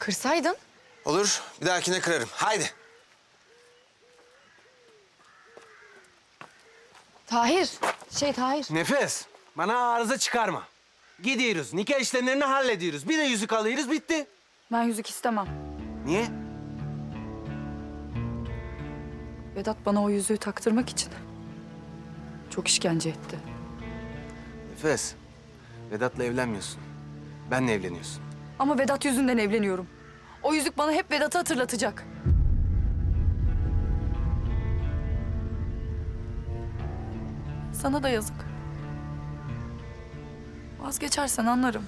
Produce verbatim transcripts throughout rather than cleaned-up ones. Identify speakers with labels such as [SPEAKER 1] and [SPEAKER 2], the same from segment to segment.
[SPEAKER 1] Kırsaydın.
[SPEAKER 2] Olur, bir dahakine kırarım. Haydi.
[SPEAKER 1] Tahir. Şey Tahir.
[SPEAKER 3] Nefes, bana arıza çıkarma. Gidiyoruz, nikah işlemlerini hallediyoruz. Bir de yüzük alıyoruz, bitti.
[SPEAKER 1] Ben yüzük istemem.
[SPEAKER 3] Niye?
[SPEAKER 1] Vedat bana o yüzüğü taktırmak için çok işkence etti.
[SPEAKER 3] Nefes, Vedat'la evlenmiyorsun. Benle evleniyorsun.
[SPEAKER 1] Ama Vedat yüzünden evleniyorum. O yüzük bana hep Vedat'ı hatırlatacak. Sana da yazık. Vazgeçersen anlarım.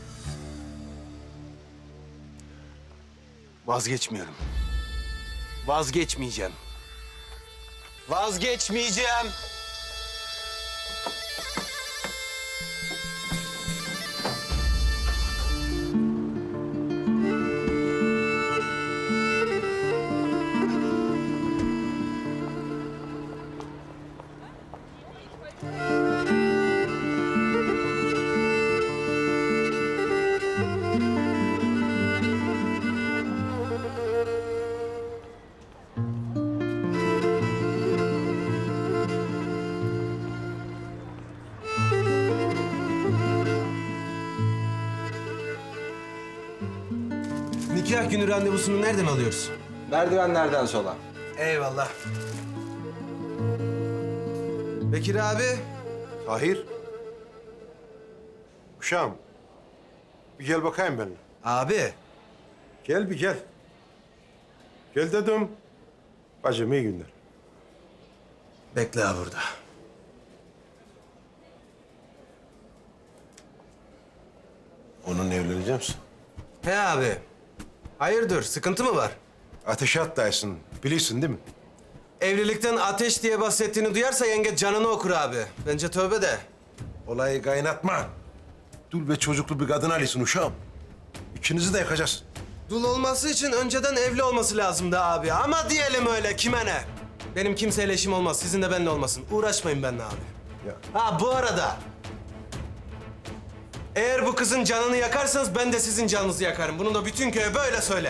[SPEAKER 3] Vazgeçmiyorum. Vazgeçmeyeceğim.
[SPEAKER 2] Vazgeçmeyeceğim.
[SPEAKER 3] Nikah günü randevusunu nereden alıyoruz?
[SPEAKER 2] Merdivenlerden sola.
[SPEAKER 3] Eyvallah. Bekir abi.
[SPEAKER 4] Tahir. Uşağım. Bir gel bakayım benimle.
[SPEAKER 3] Abi.
[SPEAKER 4] Gel bir gel. Gel dedim. Bacım iyi günler.
[SPEAKER 3] Bekle ha burada.
[SPEAKER 4] Onunla evlenecek misin?
[SPEAKER 3] He abi. Hayırdır, sıkıntı mı var?
[SPEAKER 4] Ateşe atlaysın. Bilirsin değil mi?
[SPEAKER 3] Evlilikten ateş diye bahsettiğini duyarsa yenge canını okur abi. Bence tövbe de.
[SPEAKER 4] Olayı kaynatma. Dul ve çocuklu bir kadın alıyorsun uşağım. İkinizi de yakacağız.
[SPEAKER 3] Dul olması için önceden evli olması lazımdı abi. Ama diyelim öyle, kime ne? Benim kimseyle işim olmaz, sizin de benimle olmasın. Uğraşmayın benimle abi.
[SPEAKER 4] Ya.
[SPEAKER 3] Ha bu arada... Eğer bu kızın canını yakarsanız ben de sizin canınızı yakarım. Bunu da bütün köye böyle söyle.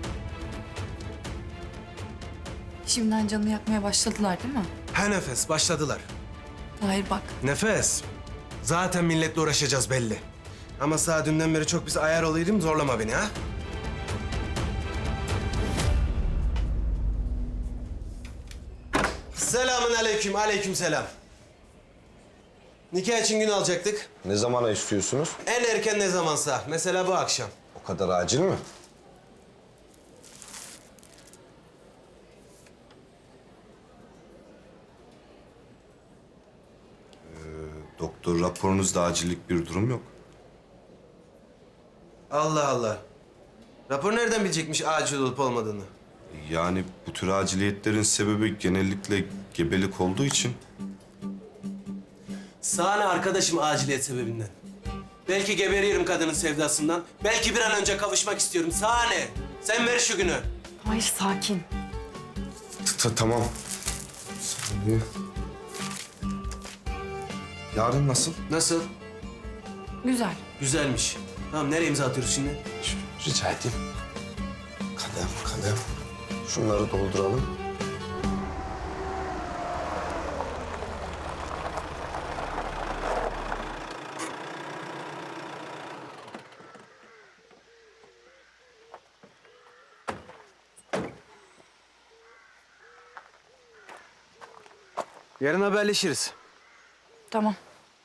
[SPEAKER 1] Şimdiden canını yakmaya başladılar değil mi?
[SPEAKER 3] Ha Nefes, başladılar.
[SPEAKER 1] Tahir bak.
[SPEAKER 3] Nefes, zaten milletle uğraşacağız belli. Ama sağ dünden beri çok biz ayar olaydım, zorlama beni ha. Selamün aleyküm, aleyküm selam. Nikah için gün alacaktık.
[SPEAKER 5] Ne zamana istiyorsunuz?
[SPEAKER 3] En erken ne zamansa, mesela bu akşam.
[SPEAKER 5] O kadar acil mi? Ee, doktor raporunuzda acillik bir durum yok.
[SPEAKER 3] Allah Allah. Rapor nereden bilecekmiş acil olup olmadığını?
[SPEAKER 5] Yani bu tür aciliyetlerin sebebi genellikle gebelik olduğu için.
[SPEAKER 3] Sahne arkadaşım aciliyet sebebinden. Belki geberiyorum kadının sevdasından. Belki bir an önce kavuşmak istiyorum. Sahne. Sen ver şu günü.
[SPEAKER 1] Tahir sakin.
[SPEAKER 5] Ta- Tamam. Saniye. Yarın nasıl?
[SPEAKER 3] Nasıl?
[SPEAKER 1] Güzel.
[SPEAKER 3] Güzelmiş. Tamam nereye imza atıyoruz şimdi?
[SPEAKER 5] Ş- Rica edeyim. Kalem, kalem. Şunları dolduralım.
[SPEAKER 3] Yarın haberleşiriz.
[SPEAKER 1] Tamam.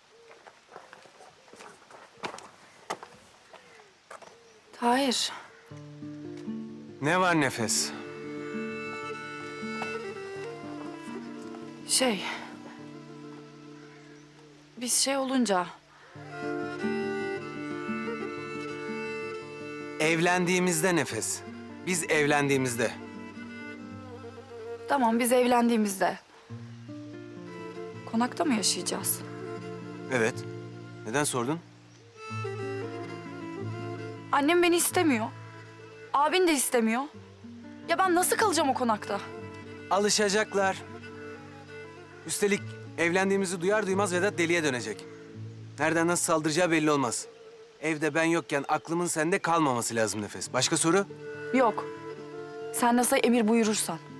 [SPEAKER 1] Tahir.
[SPEAKER 3] Ne var Nefes?
[SPEAKER 1] Şey... Biz şey olunca...
[SPEAKER 3] Evlendiğimizde Nefes. Biz evlendiğimizde.
[SPEAKER 1] Tamam biz evlendiğimizde... Konakta mı yaşayacağız?
[SPEAKER 3] Evet. Neden sordun?
[SPEAKER 1] Annem beni istemiyor. Abin de istemiyor. Ya ben nasıl kalacağım o konakta?
[SPEAKER 3] Alışacaklar. Üstelik evlendiğimizi duyar duymaz Vedat deliye dönecek. Nereden nasıl saldıracağı belli olmaz. Evde ben yokken aklımın sende kalmaması lazım Nefes. Başka soru?
[SPEAKER 1] Yok. Sen nasıl emir buyurursan.